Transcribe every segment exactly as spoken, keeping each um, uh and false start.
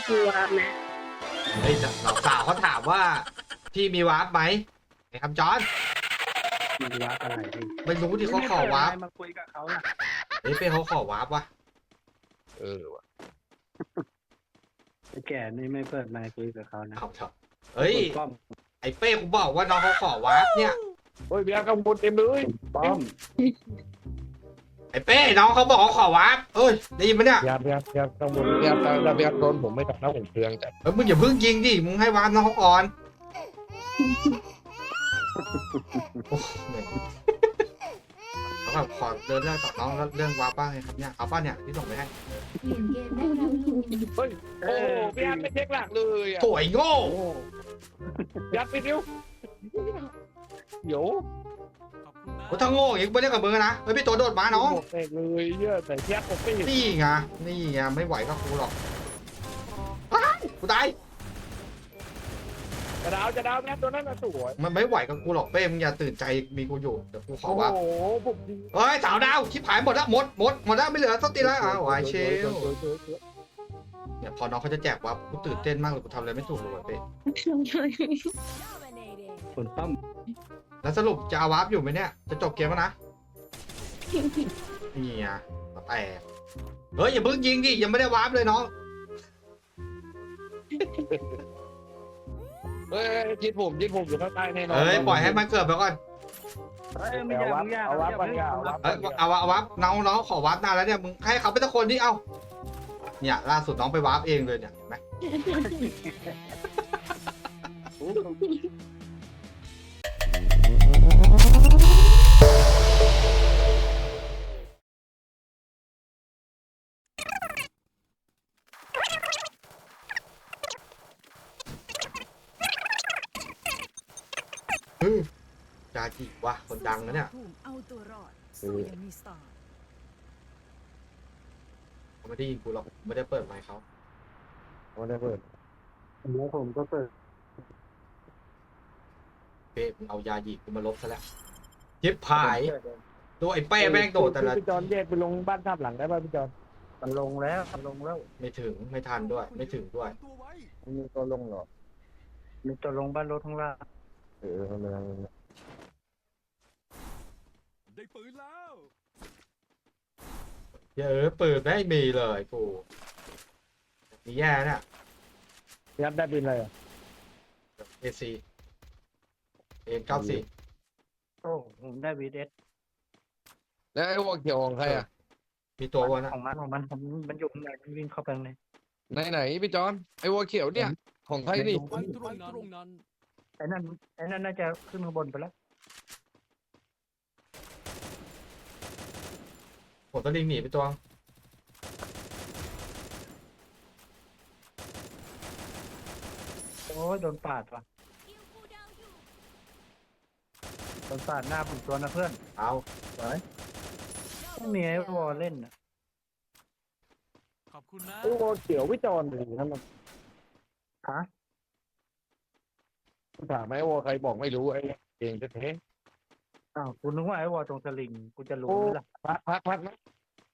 มีวาร์ปไหมเฮ้ยสาวสาวเขาถามว่าพี่มีวาร์ปไหมไอ้คำจอนมีวาร์ปอะไรพี่ไม่รู้ที่เขาขอวาร์ปมาคุยกับเขาน่ะเฮ้ยเป้เขาขอวาร์ปวะเออว่ะไอ้แก่นี่ไม่เปิดไมค์คุยกับเขานะเอาเถอะเฮ้ยปิดป้อมไอ้เป้กูบอกว่าน้องเขาขอวาร์ปเนี่ยโอ้ยพี่อาร์กังวลเต็มเลยป้อมไอ้เป้น้องเขาบอกเขาขอวาร์ปเอ้ยได้ยินไหมเนี่ยพี่อาร์พี่อาร์พี่อาร์กังวลพี่อาร์ถ้าพี่อาร์โดนผมไม่ตัดนะผมเพืองจัดเฮ้ยมึงอย่าเพิ่งยิงดิมึงให้วาร์ปน้องเขาก่อนโอ้เหนื่อยแล้วแบบขอเดินเรื่องต่อน้องเรื่องวาร์ปบ้างไงครับเนี่ยเอาป้าเนี่ยที่ส่งไปให้เปลี่ยนเกมได้แล้วลูกเฮ้ยโอ้พี่อาร์ไม่เช็คหลักเลยอ่ะโถ่ไอ้โง่โอ้พี่อาร์ไปเร็วเดี๋ยวกูถ้าโง่อย่างนี้กูไม่เล่นกับมึงนะเฮ้ยพี่ตัวโดดมาน้องบอกเลยเลยเยอะแต่พี่อาร์ผมไม่นี่ไงนี่ไงไม่ไหวกับกูหรอกอ้าวกูตายจะดาวจะดาวแม่ตัวนั้นน่ะสวยมันไม่ไหวกับกูหรอกเป้มึงอย่าตื่นใจมีกูอยู่เดี๋ยวกูขอโอ้ว่าโหผมเฮ้ยสาวดาวชิบหายหมดแล้วหมดหมดหมดแล้วไม่เหลือสักทีแล้วอ้าวไอ้เชลเนี่ยพอน้องเขาจะแจกวับกูตื่นเต้นมากเลยกูทำอะไรไม่ถูกเลยว่ะเป้ส่วนป้อมแล้วสรุปจะเอาวับอยู่ไหมเนี่ยจะจบเกมแล้วนะนี่ไงแตกเฮ้ยอย่าเพิ่งยิงดิยังไม่ได้วับเลยน้องเฮ้ยยิดผมยิดผมอยู่ข้างใต้แน่นอนเฮ้ยปล่อยให้มันเกิดไปก่อนเฮ้ยไม่อยากไม่อยากเอาวับไม่อยากเอาวับเอ้ยเอาวับเอาวับน้องน้องขอวับนานแล้วเนี่ยมึงให้เขาเป็นตะคนที่เอาเนี่ยล่าสุดน้องไปวับเองเลยเนี่ยเห็นไหม จาจิวะคนดังนะเนี่ยเอาตัวรอดสู้ยังมีสไตล์เขาไม่ได้ยินกูหรอกไม่ได้เปิดไมค์เขาไม่ได้เปิดแล้วผมก็เปิดเป้มึงเอายาหยีกูมาลบซะแล้วยิบผายตัวไอ้เป้แม่งโดดแต่ละพี่จอนแยกไปลงบ้านท่าหลังได้ป่ะพี่จอนมันลงแล้วมันลงแล้วไม่ถึงไม่ทันด้วย ไม่ถึงด้วยไม่มีตัวลงหรอมีตัวลงบ้านรถข้างล่างเออทำไมได้ปืนแล้วเยอะปืนไม่มีเลยกูนี่แย่เนี่ยยัดได้บินอะไรอ่ะเอซีเอ็นเก้าสี่โอ้ผมได้วีเอสแล้วไอ้วัวเขียวของใครอ่ะมีตัววันนะของมันของมันผมมันอยู่ข้างในมันวิ่งเข้าไปข้างในไหนไหนพี่จอนไอ้วัวเขียวเนี่ยของใครนี่ไปตรงนั้นตรงนั้นไอ้นั่นไอ้นั่นน่าจะขึ้นข้างบนไปแล้วผมต้องลิงหนีไปตัวโอ้ยโดนปาดว่ะโดนปาดหน้าผมตัวนะเพื่อนเอาไม่มีไอ้วอลเล่นอ่ะขอบคุณนะไอ้วัวเขียวพี่จอนเลยนั่นน่ะฮะถามไอ้วัวใครบอกไม่รู้ไอ้เองจะเทอ้าวคุณนึกว่าไอ้วอลตรงสลิงกูจะรู้โอ้ไหมล่ะพักพักพักนะ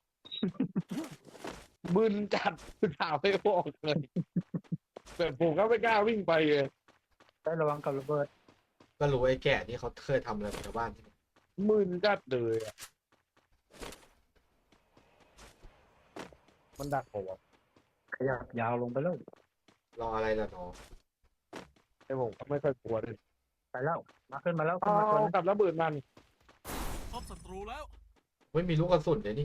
บึนจัดถามไอ้วัวเลยแต่ผมก็ไม่กล้าวิ่งไปเลยได้ระวังกับระเบิดก็รู้ไอ้แก่ที่เขาเคยทำอะไรกับชาวบ้านที่นี่มึนจัดเลยอ่ะมันดักผมอ่ะขยับยาวลงไปแล้วรออะไรล่ะน้องไอ้ผมก็ไม่ค่อยกลัวเลยไปแล้วมาขึ้นมาแล้วขึ้เอานมาตัวนึงกับระเบิดมันพบศัตรูแล้วไม่มีลูกกระสุนเลยนี่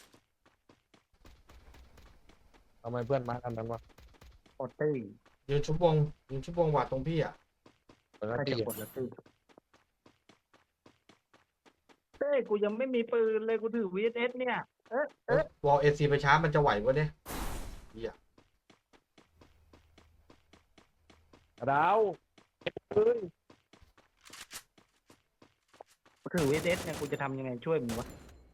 ทำไมเพื่อนมาทำนั้นวะปดตี้ยืนชุบวงยืนชุบวงหวาดตรงพี่อ่ะปกน่าติจะปดละตี้เต้กูยังไม่มีปืนเลยกูถือวีเอสเนี่ยเอ๊ะเอ๊ะวอลเอซีไปช้ามันจะไหววะเนี่ยเหี้ยดาวเฮ้ยกูถือวีเอสเนี่ยกูจะทำยังไงช่วยมึงวะ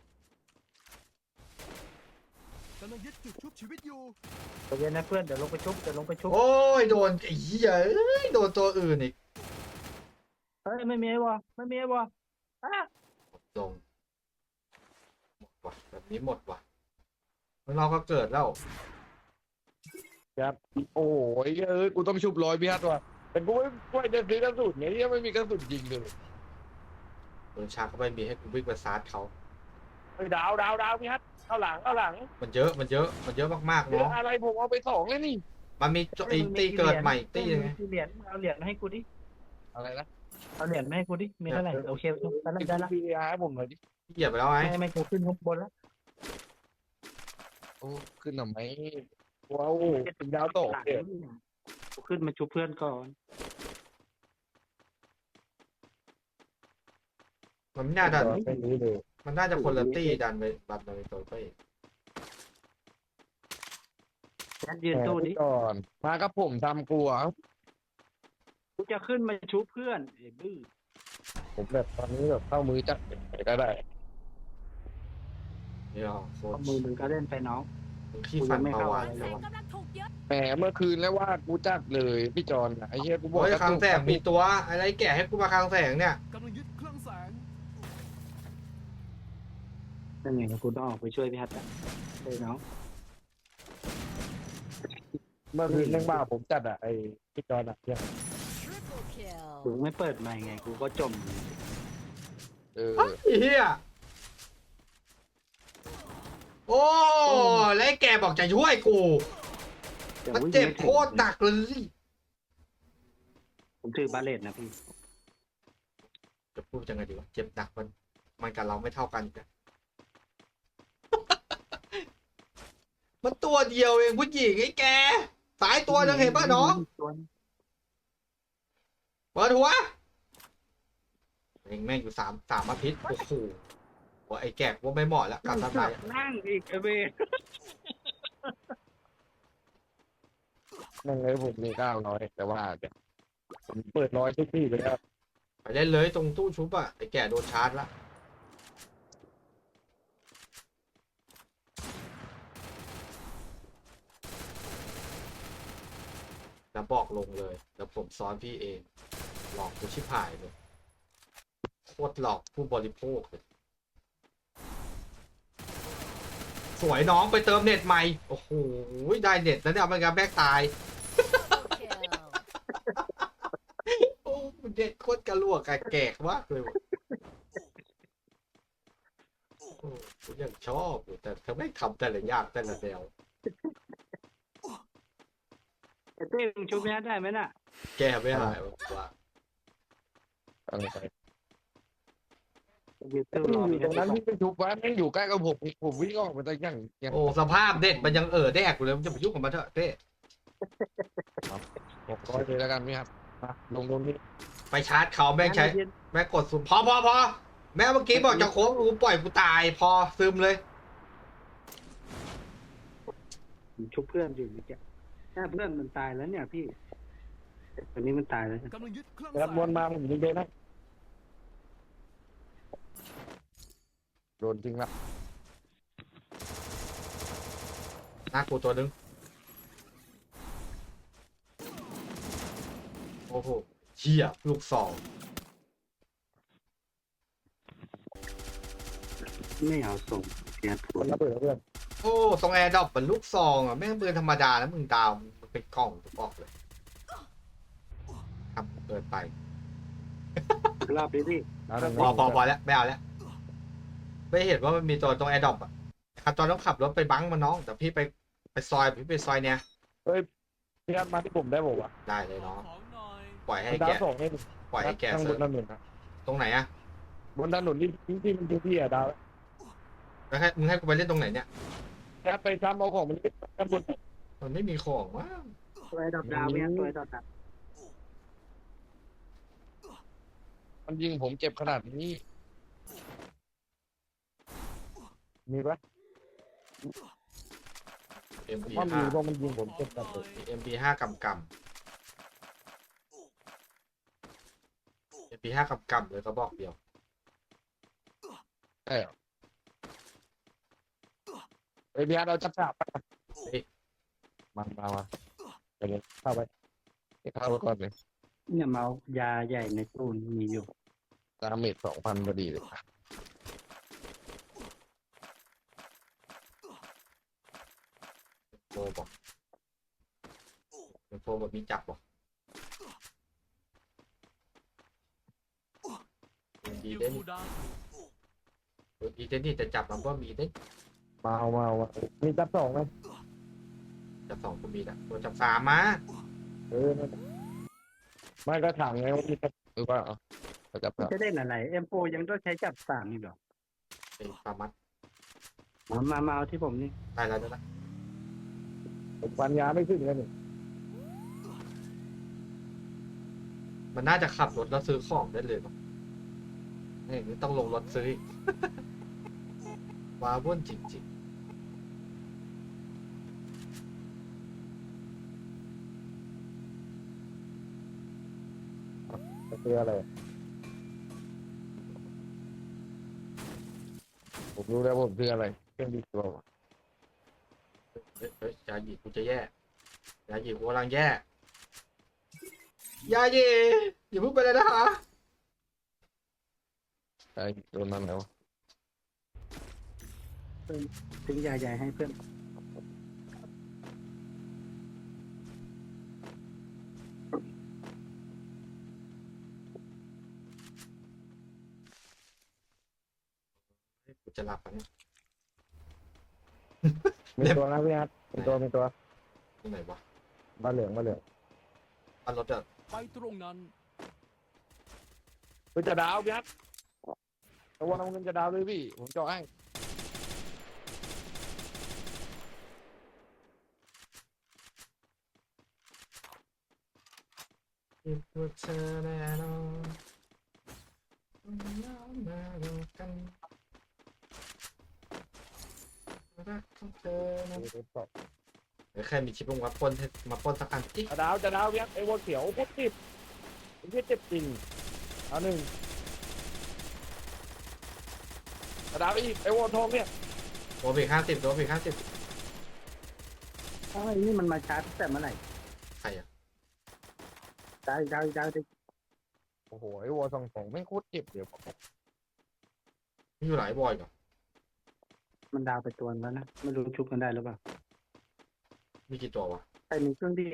กำลังยึดจุดชุบชีวิตอยู่เดี๋ยวนะเพื่อนเดี๋ยวลงไปชุบเดี๋ยวลงไปชุบโอ้ยโดนไอ้เหี้ยเอ้ยโดนตัวอื่นอีกเฮ้ยไม่มีไอ้วอไม่มีไอ้วออ่ะลงหมดว่ะแบบนี้หมดว่ะแล้วเราก็เกิดแล้วแกครับโอ้ยเอ้ยกูต้องชุบร้อยพี่ฮัทว่ะแต่กูไม่ไม่จะซื้อกระสุนไงยังไม่มีกระสุนยิงเลยโดนชาร์จเข้าไปมีให้กูวิ่งไปซาร์จเขาเฮ้ยดาวดาวดาวพี่ฮัทเข้าหลังเข้าหลังมันเยอะมันเยอะมันเยอะมากๆเดี๋ยวเนาะอะไรผมเอาไปสองเลยนี่มันมีไอ้ตีเกิดใหม่อีกตียังไงมีเหรียญเอาเหรียญมาให้กูดิอะไรนะเอาเหรียญมาให้กูดิมีเท่าไหร่โอเคได้ละได้ละพีอาร์ผมหน่อยดิเหยียบไปแล้วไอ้ไม่ไม่กูขึ้นข้างบนแล้วโอ้ขึ้นหน่อยไหมว้าวเป็นดาวโตกเนี่ยกูขึ้นมาชุบเพื่อนก่อนมันไม่น่าดันแค่นี้เลยมันน่าจะคนละตีดันไปดันไปตัวไปยัดยืนตู้ดิก่อนมากับผมทำกลัวกูจะขึ้นมาชุบเพื่อนไอ้บื้อผมแบบตอนนี้แบบเข้ามือจัดไปก็ได้เนี่ยโคตเอารมือมึงก็เล่นไปน้องขี้ฟันเบาหวานแสเลงยวะกำลังถูกยึดแหมเมื่อคืนแล้วว่ากูจัดเลยพี่จอนไอ้เหี้ยกูบอกโอ้ยกระคลังตุกแสงมีตัวอะไรแก่ให้กูมาคลังแสงเนี่ยกำลังยึดเครื่องแสงนั่นไงกูต้องออกไปช่วยพี่ฮัทอะเลยน้องเมื่อคืนเรื่องบ้าผมจัดอ่ะไอ้พี่จอนอ่ะเนี่ย Triple kill กูไม่เปิดใหม่ไงกูก็จมเออเฮียโอ้แล้วไอ้แกบอกจะช่วยกูแต่มันวิ่งเจ็บไม่ถึงโคตรหนักเลยผมถือบาเลตนะพี่จะพูดยังไงดีวะเจ็บหนักมันมันกับเราไม่เท่ากันนะ มันตัวเดียวเองผู้หญิงไอ้แกสายตัวนึงเห็นป่ะน้องเปิดหัวเองแม่งอยู่สามสามอาทิตย์โอ้โหว่าไอ้แกว่าไม่เหมาะแล้วกับทำไรนั่งอีกไอ้เวรนั่งเลยผมมีเก้าร้อยแต่ว่าเดี๋ยวผมเปิดร้อยทุกที่ไปแล้วไปเล่นเลยตรงตู้ชุบอะไอ้แกโดนชาร์จละแล้วบอกลงเลยแล้วผมซ้อนพี่เองหลอกกูชิบหายเลยโคตรหลอกผู้บริโภคเลยสวยน้องไปเติมเน็ตใหม่โอ้โหได้เน็ตแล้วเนี่ยเอาไปกับแบกตาย kill โอ้เด็ดโคตรกระลวกอะแกกมากเลยว่ะโอ้ผมยังชอบอยู่แต่เธอไม่ทำแต่ละอย่างแต่ละแนวไอ้เต้มึงชุบพี่ฮัทได้ไหมน่ะแก้ไม่หายว่ะอะไรไปยืนตู้รออยู่พี่ตฮัรทงนั้นที่เป็นชุบวะแม่งอยู่ใกล้กับผมผมวิ่งออกมาได้ยังยังโอ้สภาพเด็ดมันยังเออแดกอยู่เลยมันจะไปยุ่งกับมันเถอะเต้หกร้อยเลยแล้วกันพี่ครับมาลงตรงนี้ไปชาร์จเขาแม่งใช้แม่งกดซุมพอพอพอแม่เมื่อกี้บอกจะโค้งกูปล่อยกูตายพอซึมเลยผมชุบเพื่อนอยู่เมื่อกี้ถ้าเพื่อนมันตายแล้วเนี่ยพี่ตอนนี้มันตายแล้วกำลังยึดเครื่องรับแสมวลงมาผมยิงเลยนะโดนจริงละหน้ากูตัวนึงโอ้โหเชี่ยลูกสองไม่เอาส่งพี่ฮัทคนระเบิดเพื่อนโอ้ตรงแอร์ดรอปเป็นลูกซองอ่ะแม่งปืนธรรมดาแล้วมึงดาวมันเป็นกล่องตัวบอกเลยครับเกินไปรอบนี้พี่พอพอพอแล้วไม่เอาแล้วไม่เห็นว่ามันมีตัวตรงแอร์ดรอปอ่ะครับตอนต้องขับรถไปบังมันน้องแต่พี่ไปไปซอยพี่ไปซอยเนี้ยพี่ครับมาที่ผมได้บอกว่าได้เลยน้องของหน่อยปล่อยให้ดาแกวสองนี่ปล่อยให้แกทางเซิบร์ฟนถนนนะตรงไหนอ่ะบนถนนที่ที่มันที่อ่ะดาวแล้วให้มึงให้กูไปเล่นตรงไหนเนี่ยแค่ไปทำเอาของมันข้างบนมันไม่มีของว่ะตัวไอ้ดอกดาวพี่ฮัทตัวไอ้ดอกดาวมันยิงผมเจ็บขนาดนี้ มีปะเอ็มพีถ้ามีห้าก็มันยิงผมเจ็บขนาดนี้เอ็มพีห้ากำกำเอ็มพีห้ากำกำเลยก็บอกเดียวใช่เหรอไอ้พี่อาร์เราจับจับไปมามามาเดี๋ยวเข้าไปเข้าไปก่อนเลยเนี่ยเมายาใหญ่ในตู้มีอยู่ดาเมจสองพันพอดีเลยโกบอกเป็นโฟมแบบมีจับหรอดียิวเด้นคูดาวดีเด้นนี่แต่จับมันก็มีเด้นมาเอามาเอามามีจับสองไหมจับสองก็มีนะตัวจับสามมาเออนั่นไม่ก็ถามไงว่ามีจับหรือเปล่าเอาจับสามจะเล่นอะไรเอ็มโฟยังต้องใช้จับสามอีกเหรอเป็นปลามัดมามามาเอาที่ผมนี่ได้แล้วได้แล้วผมปัญญาไม่ขึ้นเลยนี่มันน่าจะขับรถแล้วซื้อของได้เลยป่ะนี่ไม่ต้องลงรถซื้ออีก ว้าวุ่นจริงจะซื้ออะไรผมรู้แล้วผมซื้ออะไรเครื่องดีกว่าๆเฮ้ยเฮ้ยยาหยีกูจะแย่ยาหยีกูกำลังแย่ยาหยีอย่าเพิ่งไปเลยนะคะไอ้โดนมันแล้วทิ้งยาใหญ่ให้เพื่อนกูจะหลับอ่ะเนี่ยมีตัวนะพี่ฮัทมีตัวมีตัวที่ไหนวะบ้านเหลืองบ้านเหลืองบ้านรถอะไปตรงนั้นเฮ้ยจะดาวพี่ฮัทตัวน้ำเงินจะดาวเลยพี่ผมเจาะให้คิดว่าเธอแน่นอนแล้วมาดูกันรักของเธอนะเดี๋ยวแค่มีชิปลงมาปล้นให้มาปล้นสักอันจิ๊กจะดาวจะดาวพี่ฮัทไอ้วัวเขียวพุทธิบไอ้เหี้ยเจ็บจริงเอาหนึ่งจะดาวอีกไอ้วัวทองเนี่ยโดนไปห้าสิบโดนไปห้าสิบอ้าวไอ้นี่มันมาชาร์จตั้งแต่เมื่อไหร่ใครอ่ะดาวดาวดาวดาวโอ้โหไอ้วัวทองของไม่งโคตรเจ็บเดี๋ยวผมมีอยู่หลายบอยก่อนมันดาวไปตัวนึงแล้วนะไม่รู้ชุบกันได้หรือเปล่ามีกี่ตัววะแต่มีเครื่องที่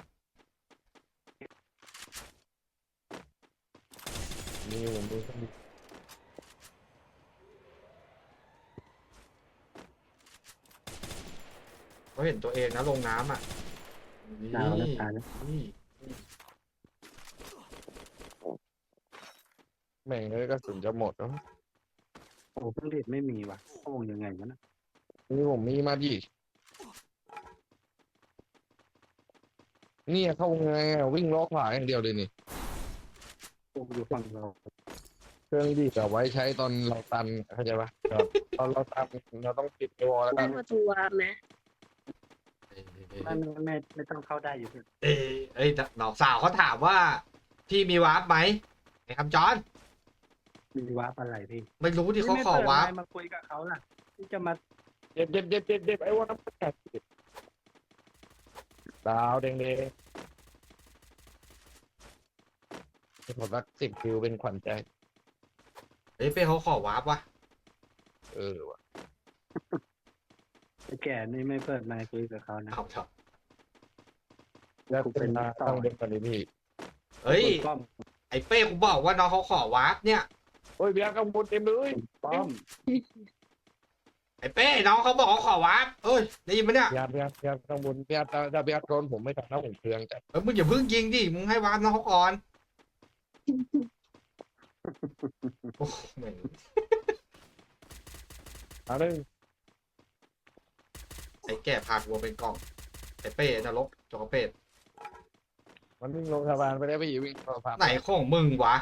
มีผมดูต้องดูเขาเห็นตัวเองนะลงน้ำอ่ะนี่ดาวแล้วตายแล้วนี่แม่งเลยกระสุนจะหมดแล้วโอ้เครื่องเด็ดไม่มีว่ะเขาวงยังไงวะนะนี่ผมมีมาดิเนี่ยเข้าไงอะวิ่งล้อขวาอย่างเดียวเลยนี่วงอยู่ฝั่งเราเครื่องดีแต่ไว้ใช้ตอนเราตันเข้าใจปะครับตอนเราตันเราต้องปิดไอวอลแล้วกัได้นประตูวาร์ปนะเอ้ยไม่ไม่ไม่ไม่ต้องเข้าได้อยู่เพื่อนเอ้ยเอ้ยน้องสาวเขาถามว่าพี่มีวาร์ปไหมไอ้คำจอนมีวาร์ปอะไรพี่ไม่รู้ที่เขาไม่ขอเปิดวาร์ปไมค์มาคุยกับเขาล่ะที่จะมาเจ็บเจ็บเจ็บเจ็บเจ็บไอวอลน้ำแข็งดาวแดงๆผมรักสิบคิวเป็นขวัญใจเฮ้ยเป้เขาขอวาร์ปวะเออว่ะไอ้แก่นี่ไม่เปิดไมค์คุยกับเขานะเอาเถอะแล้วเป็นมาต้องเป็นกันเลยพี่เฮ้ยคุณป้อมไอ้เป้กูบอกว่าน้องเขาขอวาร์ปเนี่ยโอ้ยเบียร์กังวลเต็มเลยป้อมไอ้เป้น้องเขาบอกเขาขอวาร์ปเอ้ยได้ยินไหมเนี่ยเบียร์เบียร์เบียร์กังวลเบียร์ถ้าถ้าเบียร์โดนผมไม่ทันแล้วผมเคืองจัดเอ้ยมึงอย่าเพิ่งยิงดิมึงให้วาร์ปน้องเขาก่อนโอ้แม่งเอาเลยไอ้แก่พาทัวร์เป็นกล่องไอ้เป้นรกจอกเป็ดมันวิ่งลงสะพานไปได้พี่วิ่งลงสะพานไหนของมึงวะ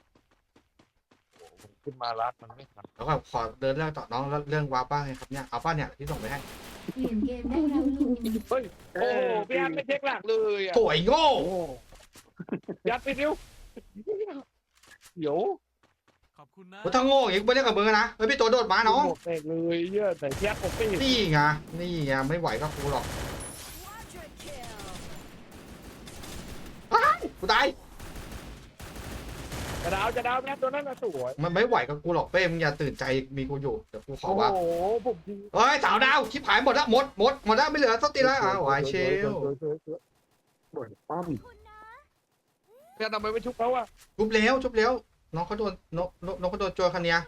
ผมขึ้นมารัดมันไม่ทันแล้วก็ขอเดินเรื่องต่อน้องเรื่องวาร์ปบ้างไงครับเนี่ยเอาป้าเนี่ยที่ส่งไปให้เปลี่ยนเกมได้แล้วลุงเฮ้ยโอ้เบียร์ไม่เช็คหลักเลยอ่ะโถยโง่โอ้ยัดไปนิ้วเดี๋ยวขอบคุณนะกูถ้าโง่อย่างนี้กูไม่เล่นกับมึงนะเฮ้ยพี่ตัวโดดมาน้องหมดแตกเลยเยอะแต่ยัดผมไม่เห็นนี่ไงนี่ไงไม่ไหวก็กูหรอก Quadra kill. กูตายจะดาวจะดาวแม่ตัวนั้นน่ะสวยมันไม่ไหวกับกูหรอกเป้มึงอย่าตื่นใจมีกูอยู่เดี๋ยวกูขอโอ้ว่าโหผมยิงเฮ้ยสาวดาวชิบหายหมดละหมดหมดหมดแล้วไม่เหลือสักทีละอ้าวไอ้เชลบ่นป้อมเพื่อนทำไมไม่ชุบเขาอ่ะชุบแล้วชุบแล้วน้องเขาโดนนกนกน้องเขาโดนโจรคันเนี้ย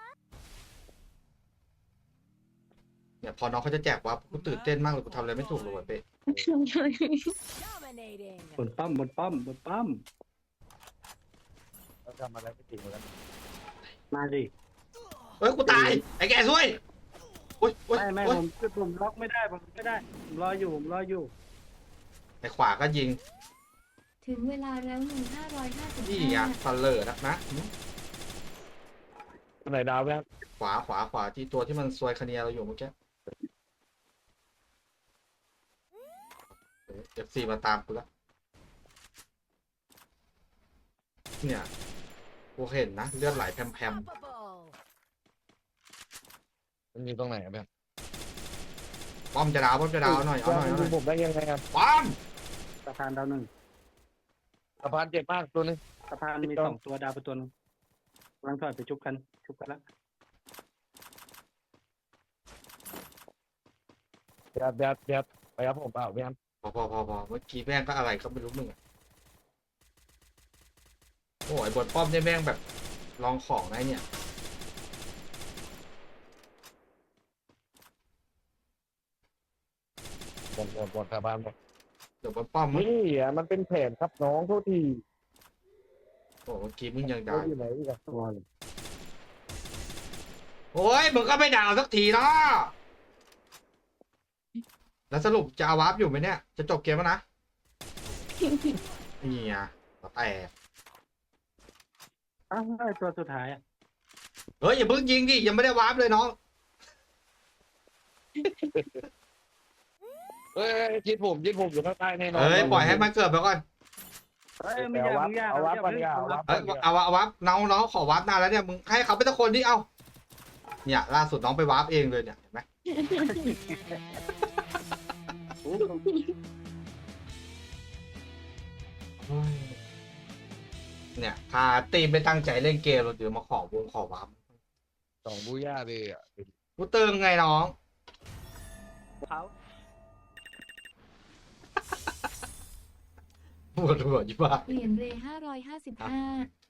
เนี่ยพอน้องเขาจะแจกว่ากูตื่นเต้นมากเลยกูทำอะไรไม่ถูกเลยว่ะเป๊ะ Dominating. บนป้อมบนป้อมบนป้อมเราทำอะไรไม่จริงเหมือนกันมาดิเอ้ยกูตายไอ้แกซวยโอ๊ยโอ๊ยไม่ไม่โอ๊ผยมผมล็อกไม่ได้ผมไม่ได้ผมรออยู่ผมรออยู่ไอ้ขวาก็ยิงถึงเวลาแล้วลุงห้าร้อยห้าสิบนี่ห้าไงฟันเลอร์นะนะคนไหนดาวแม่งขวาขวาขวาที่ตัวที่มันซวยคันเนียเราอยู่เมื่อกี้เอฟซีมาตามกูแล้วเนี่ยกูเห็นนะเลือดไหลแพม Unstoppable. มันอยู่ตรงไหนอะแม่งๆป้อมจะดาวป้อมจะดาวหน่อยเอาหน่อยเอาหน่อยผมได้ยังไงอ่ะป้อมสะพานดาวหนึ่งสะพานเจ็บมากตัวนึงสะพานมีสองตัวดาวไปตัวหนึงกำลังถอยไปชุบกันชุบกันละแบบแบบแบบไปครับผมเปล่าแม่งพอพอพอพอเมื่อกี้แม่งก็อะไรก็ไม่รู้มึงอะโอ้ยบนป้อมเนี่ยแม่งแบบลองของได้เนี่ยบนบนบนสะพานบนเดี๋ยวบนป้อมมึงนี่อ่ะมันเป็นแผนครับน้องโทษทีโอ้เมื่อกี้มึงยังเราดาวอยู่ไหนอีกันตัวเลยโอ้ยมึงก็ไม่ดาวสักทีเนาะแล้วสรุปจะเอาวาร์ปอยู่ไหมเนี่ยจะจบเกมแล้วนะนี่ไงต่อแตกอ้าวไอ้ตัวสุดท้ายอ่ะเฮ้ยอย่าเพิ่งยิงดิยังไม่ได้วาร์ปเลยน้องเอ้ยคิดผมคิดผมอยู่ข้างใต้แน่นอนเฮ้ยปล่อยให้มันเกิดไปก่อนเฮ้ยไม่อยากไม่อยากเอาวับอย่ปัญพิ่งญาเอาวับเอ้ยเอาวะเอาวาร์ปน้องน้องขอวาร์ปนานแล้วเนี่ยมึงให้เขาเป็นตะคนที่เอาเนี่ยล่าสุดน้องไปวาร์ปเองเลยเนี่ยเห็นไหมโอ้เนี่ยพาตีมไม่ตั้งใจเล่นเกมเราเดี๋ยวมาขอวงขอวาร์ปสองบูย่าเลยอ่ะกูเติมไงน้องเขาปวดหัวอยู่บ้าเหรียญเรห้าร้อยห้าสิบห้า